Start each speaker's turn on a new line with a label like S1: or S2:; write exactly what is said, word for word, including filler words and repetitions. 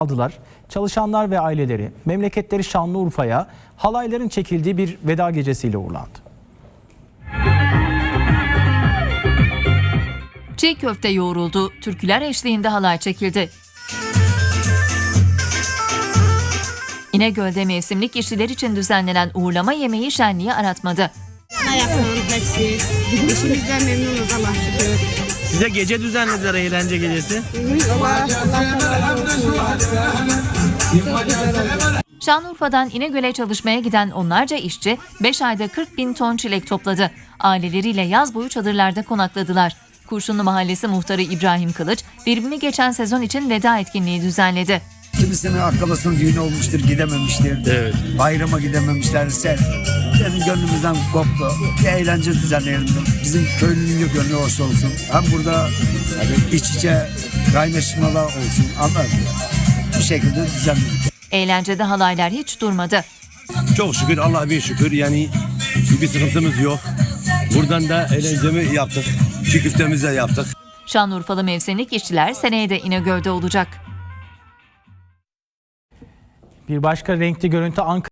S1: aldılar. Çalışanlar ve aileleri memleketleri Şanlıurfa'ya halayların çekildiği bir veda gecesiyle uğurlandı.
S2: Çiğ köfte yoğruldu, türküler eşliğinde halay çekildi. İnegöl'de mevsimlik işçiler için düzenlenen uğurlama yemeği şenliği aratmadı.
S3: Ayaklarım hepsi. İşimizden memnunuz Allah şükür.
S4: Size gece düzenlediler, eğlence gecesi.
S3: Allah, Allah olsun.
S2: Şanlıurfa'dan İnegöl'e çalışmaya giden onlarca işçi beş ayda kırk bin ton çilek topladı. Aileleriyle yaz boyu çadırlarda konakladılar. Kurşunlu Mahallesi muhtarı İbrahim Kılıç, verimli geçen sezon için veda etkinliği düzenledi.
S5: Kimisinin akrabasının düğünü olmuştur, gidememiştir.
S4: Evet.
S5: Bayrama gidememişlerse benim gönlümüzden koptu. Bir eğlence düzenleyelim. Bizim köylünün de gönlü hoş olsun. Hem burada iç içe kaynaşmalar olsun. Anladın mı? Bu şekilde düzenledik.
S2: Eğlencede halaylar hiç durmadı.
S6: Çok şükür, Allah'a bin şükür, yani bir sıkıntımız yok. Buradan da eğlencemi yaptık. Çiğ köftemizi de yaptık.
S2: Şanlıurfalı mevsimlik işçiler seneye de İnegöl'de olacak.
S1: Bir başka renkli görüntü Ankara.